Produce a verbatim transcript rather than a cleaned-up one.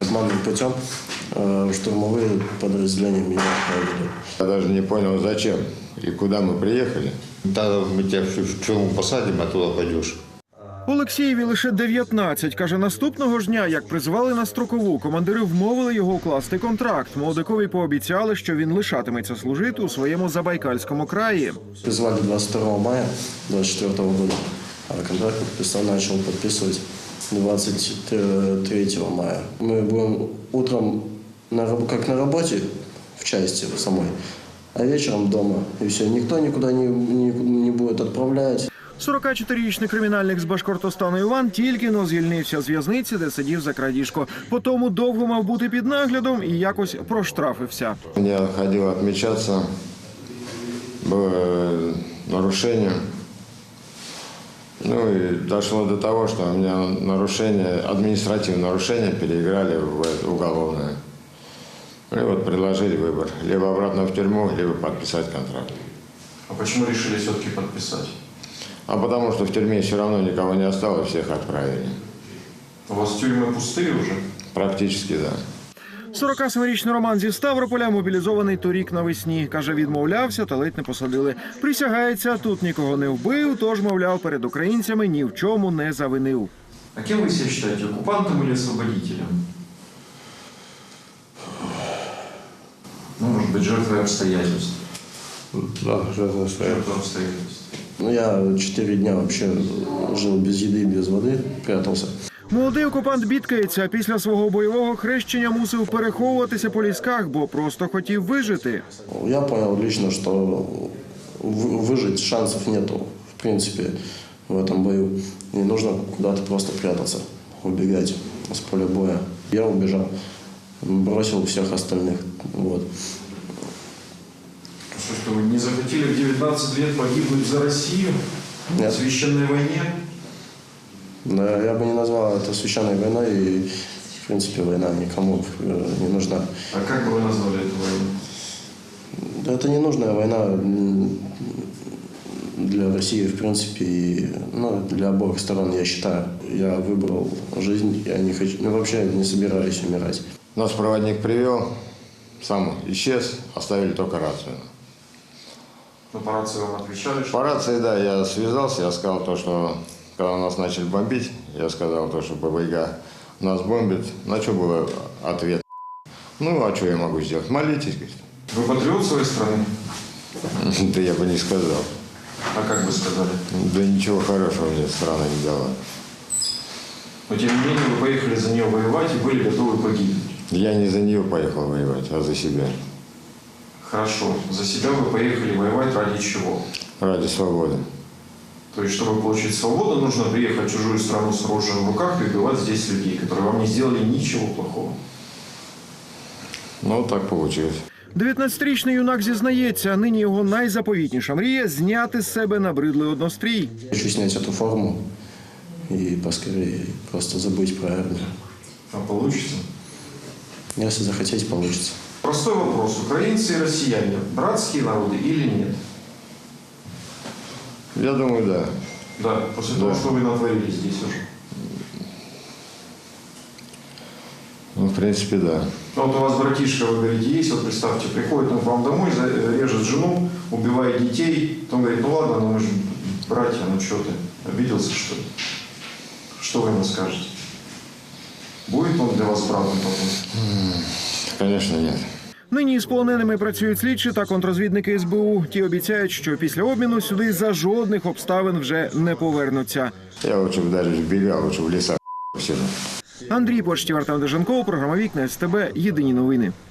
обманным путем штурмовые подразделения меня отправили. Я даже не понял, зачем и куда мы приехали. Да, мы тебя в тюрьму посадим, а туда пойдешь. Олексієві лише дев'ятнадцять. Каже, наступного ж дня, як призвали на строкову, командири вмовили його укласти контракт. Молодикові пообіцяли, що він лишатиметься служити у своєму Забайкальському краї. Призвали двадцать второго мая двадцать четвёртого года, а контракт подписал, начал подписывать двадцать третьего мая. Мы будем утром на, как на работе в части самой, а вечером дома. И все, никто никуда не, не, не будет отправлять. сорокачотирирічний кримінальник з Башкортостану Іван тільки-но звільнився з в'язниці, де сидів за крадіжку. Потому довго мав бути під наглядом і якось проштрафився. Я ходил отмечаться, было нарушение. Ну и дошло до того, что у меня нарушение, административное нарушение переиграли в уголовное. И вот предложили выбор. Либо обратно в тюрьму, либо подписать контракт. А почему решили все-таки подписать? А потому что в тюрьме все равно никого не осталось, всех отправили. У вас тюрьмы пустые уже? Практически, да. сорокасемирічний Роман зі Ставрополя мобілізований торік навесні. Каже, відмовлявся та ледь не посадили. Присягається, тут нікого не вбив, тож, мовляв, перед українцями ні в чому не завинив. А кем вы себя считаете, оккупантом или освободителем? Ну, может быть, жертвой обстоятельств. Да, жертва Жертвой обстоятельств. Ну, я четыре дня вообще жил без еды, без воды, прятался. Молодий окупант бідкається, після свого бойового хрещення мусив переховуватися по лісках, бо просто хотів вижити. Я понял лично, что выжить шансов нету, в принципе, в этом бою. И нужно куда-то просто прятаться, убегать с поля боя. Я убежал, бросил всех остальных. Вот. Что, что вы не захотели в девятнадцать лет погибнуть за Россию? Нет. В священной войне? Да, я бы не назвал это священной войной, и, в принципе, война никому не нужна. А как бы вы назвали эту войну? Да, это не нужная война для России, в принципе, и ну, для обоих сторон, я считаю. Я выбрал жизнь, я не хочу, ну, вообще не собираюсь умирать. Нас проводник привел, сам исчез, оставили только рацию. Ну, по рации вам отвечали, что... По рации, да, я связался, я сказал то, что когда нас начали бомбить, я сказал то, что ББГ нас бомбит. На что был ответ? Ну, а что я могу сделать? Молитесь, говорит. Вы патриот своей страны? Да я бы не сказал. А как бы сказали? Да ничего хорошего мне страна не дала. Но тем не менее вы поехали за нее воевать и были готовы погибнуть. Я не за нее поехал воевать, а за себя. Хорошо. За себя вы поехали воевать ради чего? Ради свободы. То есть, чтобы получить свободу, нужно приехать в чужую страну с оружием в руках и убивать здесь людей, которые вам не сделали ничего плохого. Ну, так получилось. дев'ятнадцятирічний юнак зізнається, нині його найзаповітніша мрія – зняти з себе набридлий однострій. Хочу снять эту форму и поскорее просто забыть про армию. А получится? Если захотеть, получится. Простой вопрос. Украинцы и россияне – братские народы или нет? Я думаю, да. Да, после Да. того, что вы натворили здесь уже. Ну, в принципе, да. Ну, вот у вас братишка, вы говорите, есть, вот представьте, приходит он к вам домой, режет жену, убивает детей, потом говорит, ну ладно, ну мы же братья, ну что ты, обиделся, что ли? Что вы ему скажете? Будет он для вас братом потом? Конечно, нет. Нині з полоненими працюють слідчі та контррозвідники ес бе у. Ті обіцяють, що після обміну сюди за жодних обставин вже не повернуться. Я лучше бы даже сбегал, лучше в лесах сижу. Андрій Почтів, Артем Деженков, програма «Вікна ес те бе», єдині новини.